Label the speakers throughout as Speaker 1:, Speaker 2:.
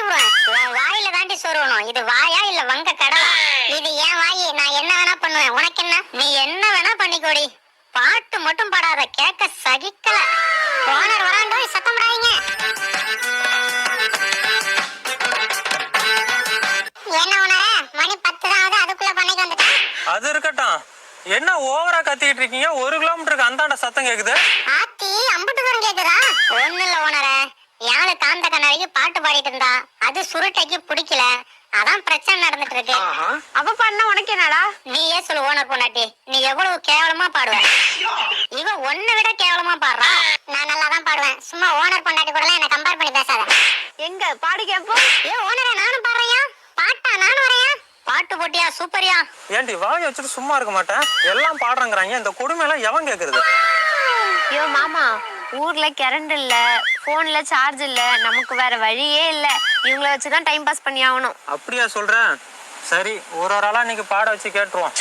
Speaker 1: விடுவேன். உன் வாயில தாண்டி சொருவணும். இது வாயா இல்ல வங்க கடலா? இது ஏன் வாயி, நான் என்ன வேணா பண்ணுவேன். உனக்கு என்ன? நீ என்ன வேணா பண்ணிக்கோடி, பாட்டு மட்டும் பாடாத, கேட்க சகிக்கல. ஓனர் வராண்டோ, சத்தம் போடாதீங்க. என்ன ஓனரே, மணி 10 தான் ஆகுது, அதுக்குள்ள பண்ணைக்கு வந்துட்டேன்.
Speaker 2: அது இருக்கட்டும், என்ன ஓவரா கத்திட்டு இருக்கீங்க? 1 கிலோமீட்டருக்கு அந்தாண்ட சத்தம் கேக்குது.
Speaker 1: ஆத்தி அம்புட்டு தூரம் கேக்குதா? ஒண்ணு இல்ல ஓனரே, யாழு காந்த கண்ணாடிக்கு பாட்டு பாடிட்டு இருந்தா, அது சுருட்டைக்கு பிடிக்கல, அதான் பிரச்சனை நடந்துட்டு இருக்கு.
Speaker 3: அப்ப பண்ண உனக்கு என்னடா?
Speaker 1: நீயே சொல்லு ஓனர் பொண்டாட்டி, நீ எவ்வளவு கேவலமா பாடுவ. இவ ஒன்ன விட கேவலமா பாடுறா. நான் நல்லா தான் பாடுவேன், சும்மா ஓனர் பொண்டாட்டி கூட என்ன கம்பேர் பண்ணி பேசாத.
Speaker 3: எங்க பாடு கேப்போம்.
Speaker 1: ஏ ஓனரே, நானும் பாடுறையா? பாட்டா நானும் வரையா? பாட்டு போட்டியா? சூப்பரியா?
Speaker 2: ஏன்டி வாய் வச்சுட்டு சும்மா இருக்க மாட்டேன், எல்லாம் பாடுறேங்கிறாங்க. இந்த கொடுமை எல்லாம் எவன் கேக்குறது?
Speaker 3: ஐயோ மாமா, ஊர்ல கரண்ட் இல்ல, போன்ல சார்ஜ் இல்ல, நமக்கு வேற வழியே இல்ல. இவங்கள வச்சுதான் டைம் பாஸ் பண்ணி ஆகணும்.
Speaker 2: அப்படியா சொல்றேன்? சரி, ஒரு ஆளா இன்னைக்கு பாட வச்சு கேட்டுருவோம்.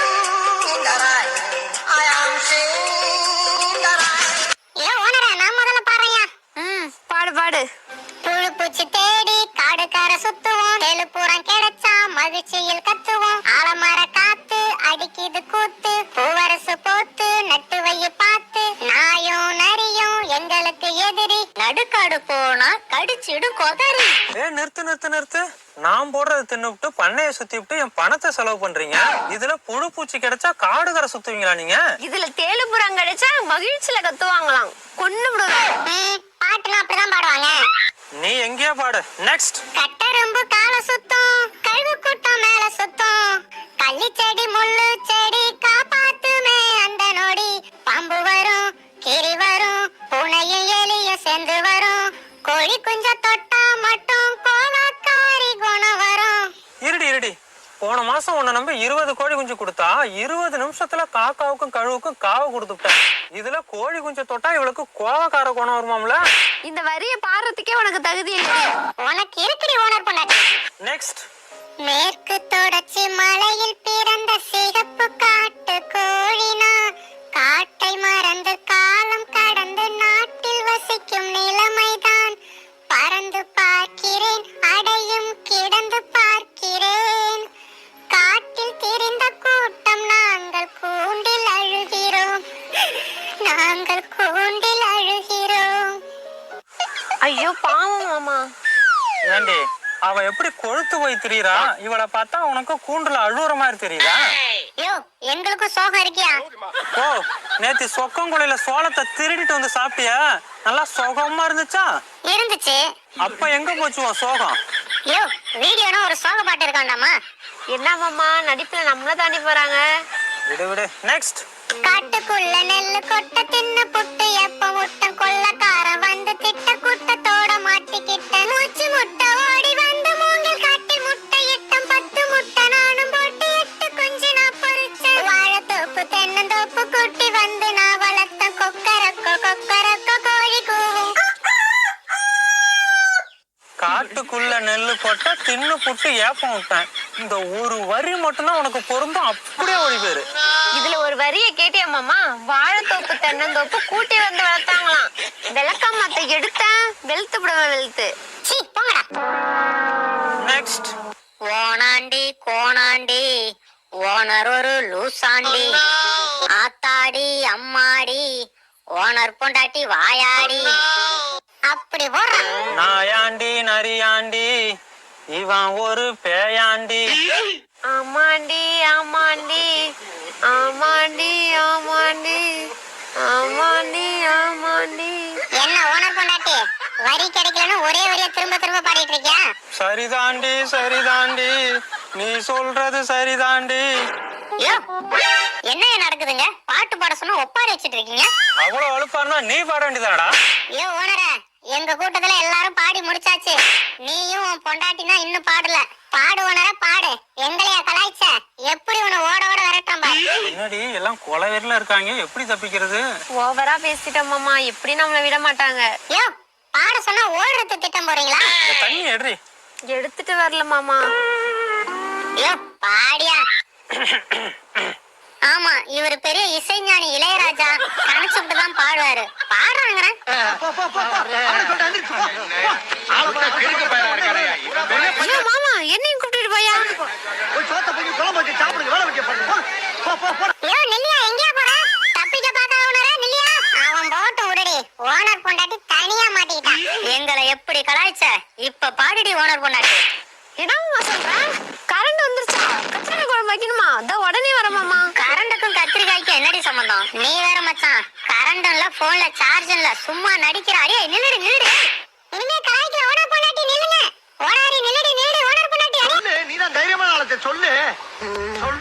Speaker 1: ஏ ஓனரே, நான் முதல்ல பாடுறையா?
Speaker 3: பாடு பாடு.
Speaker 1: புழு பூச்சி தேடி காடுக்கார சுத்துவோம், தெலுப்புறம் கிடைச்சா மகிழ்ச்சியில் கத்துவோம். ஆலமர காத்து அடிக்குது கூத்து, பூவரசு போத்து நட்டு வைய பார்த்து, நாயும் நரியும் எங்களுக்கு எதிரி, நடுக்காடு போனா கடிச்சிடு கொதறி.
Speaker 2: நிறுத்து நிறுத்து நிறுத்து. நான் போடுறது தின்னுவிட்டு பண்ணைய சுத்தி விட்டு என் பணத்தை செலவு பண்றீங்க. இதுல புழு பூச்சி கிடைச்சா காடு கரை சுத்துவீங்களா நீங்க?
Speaker 3: இதுல தேலுபுரம் கிடைச்சா மகிழ்ச்சியில கத்துவாங்களாம். கொண்டு விடுவேன்.
Speaker 1: பாட்டுலாம் அப்படிதான் பாடுவாங்க.
Speaker 2: நீ எங்கேயா பாடு. நெக்ஸ்ட்.
Speaker 1: கட்டரும்பு கால சுத்தம், கழுவு கூட்டம் மேல சுத்தம், கள்ளி செடி முள்ளு செடி காப்பாத்துமே அந்த நொடி, பாம்பு வரும் கிரி வரும், பூனையும் எலியும் சேர்ந்து வரும், கோழி குஞ்ச தொட்டா மட்டும் கோலக்காரி குணம் வரும்.
Speaker 2: இருடி, போன மாசம் உன்னை நம்பி 20 கோழி குஞ்சு கொடுத்தா 20 நிமிஷத்துல காக்காவுக்கும் கழுவுக்கும் காவை கொடுத்துட்டேன். இதுல கோழி குஞ்சு தொட்டா இவளுக்கு கோவக்கார குணம் வருமாம்ல.
Speaker 3: இந்த வரிய பாடுறதுக்கே உனக்கு தகுதி இல்லை.
Speaker 1: உனக்கு இருக்குடி ஓனர் பொண்டாட்டி.
Speaker 2: நெக்ஸ்ட்.
Speaker 1: மேற்கு தொடர்ச்சி மலையில் பிறந்த சிகப்பு காட்டு கோழினா, காட்டை மறந்து காலம் கடந்து நாட்டில் வசிக்கும் நிலைமைதான். பறந்து பார்க்கிறேன், அடையும் கிடந்து பார்க்கிறேன், காட்டில் திரிந்த கூட்டம் நாங்கள் கூண்டில் அழுகிறோம், நாங்கள் கூண்டில் அழுகிறோம்.
Speaker 3: ஐயோ பாவம் மாமா.
Speaker 2: ஏண்டி அவ எப்படி கொழுத்து போய் திரியறா? இவளை பார்த்தா உனக்கு கூண்டுல அழுவுற மாதிரி தெரியுதா?
Speaker 1: யோ, எங்களுக்கு சோகம் இருக்கியா?
Speaker 2: ஓ, நேத்து சொக்கங்குழியில சோளத்தை திருடிட்டு வந்து சாப்பிட்டியா? நல்லா சோகமா இருந்துச்சா?
Speaker 1: இருந்துச்சு.
Speaker 2: அப்ப எங்க போச்சு உன் சோகம்?
Speaker 1: யோ, வீடியோனா ஒரு சோக பாட்டு இருக்காண்டாமா?
Speaker 3: என்ன மாமா, நடிப்புல நம்மள தாண்டி போறாங்க.
Speaker 2: விடு. நெக்ஸ்ட்.
Speaker 1: காட்டுக்குள்ள நெல்லு கொட்ட தின்னு புட்டு எப்ப முட்டம், கொள்ளக்காரன் வந்து திட்ட கூட்டத்தோட மாட்டிக்கிட்ட, மூச்சு முட்டை ஓடி வந்து மூங்கில் காட்டில் முட்டை இட்டம், 10 முட்டை நானும் போட்டு 8 குஞ்சு நான் பொறிச்சேன், வாழைத்தோப்பு தென்னந்தோப்பு கூட்டி வந்து நான் வளர்த்த, கொக்கரக்கோ கொக்கரக்கோ கோழி கூவும்.
Speaker 2: காட்டுக்குள்ள நெல்லு போட்டா தின்னு புட்டு ஏப்பம் விட்டேன். இந்த ஒரு வரி மட்டும்தான் உனக்கு பொருந்தும், அப்படியே ஓடி போயிரு.
Speaker 3: இதுல ஒரு வரிய கேட்டியா மாமா? வாழைத்தோப்பு தென்னந்தோப்பு கூட்டி வந்து வளர்த்தாங்களாம். விளக்கமாத்த எடுத்தா வெளுத்து விடுவேன், வெளுத்து.
Speaker 1: சீ போங்கடா.
Speaker 2: நெக்ஸ்ட்.
Speaker 1: ஓனாண்டி கோணாண்டி ஓனர் ஒரு லூசாண்டி, ஆத்தாடி அம்மாடி ஓனர் பொண்டாட்டி வாயாடி, அப்படி போடுறான்.
Speaker 2: நாயாண்டி நரியாண்டி இவன் ஒரு பேயாண்டி.
Speaker 3: ஆமாண்டி ஆமாண்டி ஆமாண்டி ஆமாண்டி ஆமாண்டி ஆமாண்டி.
Speaker 1: என்ன ஓனர் பொண்டாட்டி, வரி கிடைக்கலன்னு ஒரே வரியா திரும்ப திரும்ப பாடிட்டு இருக்கியா?
Speaker 2: சரிதாண்டி, நீ சொல்றது சரிதாண்டி.
Speaker 1: யோ, என்ன நடக்குதுங்க? பாட்டு பாட சொன்னா ஒப்பாரி வச்சிட்டு இருக்கீங்க.
Speaker 2: அவ்வளவு அழுப்பாருனா நீ பாட வேண்டியதாடா.
Speaker 1: யோ ஓனரே, எங்க கூட்டத்துல எல்லாரும் பாடி முடிச்சாச்சு, நீயும் உன் பொண்டாட்டினா இன்னும் பாடல. பாடு ஓனரே பாடு, எங்களையா கலாய்ச்ச? எப்படி உன்னை ஓட ஓட விரட்டான் பாரு.
Speaker 2: என்னடி எல்லாம் கொலவெறில இருக்காங்க, எப்படி தப்பிக்கிறது?
Speaker 3: ஓவரா பேசிட்டோம் மாமா, எப்படி நம்மள விட மாட்டாங்க.
Speaker 1: யோ, பாட சொன்னா ஓடுறது திட்டம் போறீங்களா?
Speaker 2: தண்ணி எடுறி.
Speaker 3: எடுத்துட்டு வரல மாமா.
Speaker 1: யோ பாடியா. ஆமா, இவர் பெரிய இசைஞானி இளையராஜா, கணிச்சுட்டு தான் பாடுவாரு. பாடுறாங்க போறேன்.
Speaker 3: ஐயோ மாமா என்னையும் கூப்பிட்டுட்டு போயா?
Speaker 1: ஐயோ நில்லியா, எங்கயா போற? தப்பிக்க பார்க்காத உணர நில்லியா. அவன் போட்டு விடுடி. ஓனர் பொண்டாட்டி தனியா மாட்டிக்கிட்டான். எங்களை எப்படி கலாய்ச்ச? இப்ப பாடிடி ஓனர் பொண்டாட்டி.
Speaker 3: என்னம்மா சொல்ற? கரண்ட் வந்துருச்சா? கத்திரிக்காய் குழம்பு வைக்கணுமா? அதான் உடனே வர மாமா.
Speaker 1: கரண்டுக்கும் கத்திரிக்காய்க்கும் என்னடி சம்பந்தம்? நீ வேற மச்சான், கரண்ட் இல்ல, போன்ல சார்ஜ் இல்ல, சும்மா நடிக்கிறாரே. நில்லுடி நில்லுடி. இனிமே கலாய்க்கிற ஓனர் பொண்டாட்டி நில்லுங்க. ஓனாரி நில்லுடி நில்லுடி ஓனர் பொண்டாட்டி.
Speaker 4: நீதான் தைரியமான ஆளத்தை சொல்லு.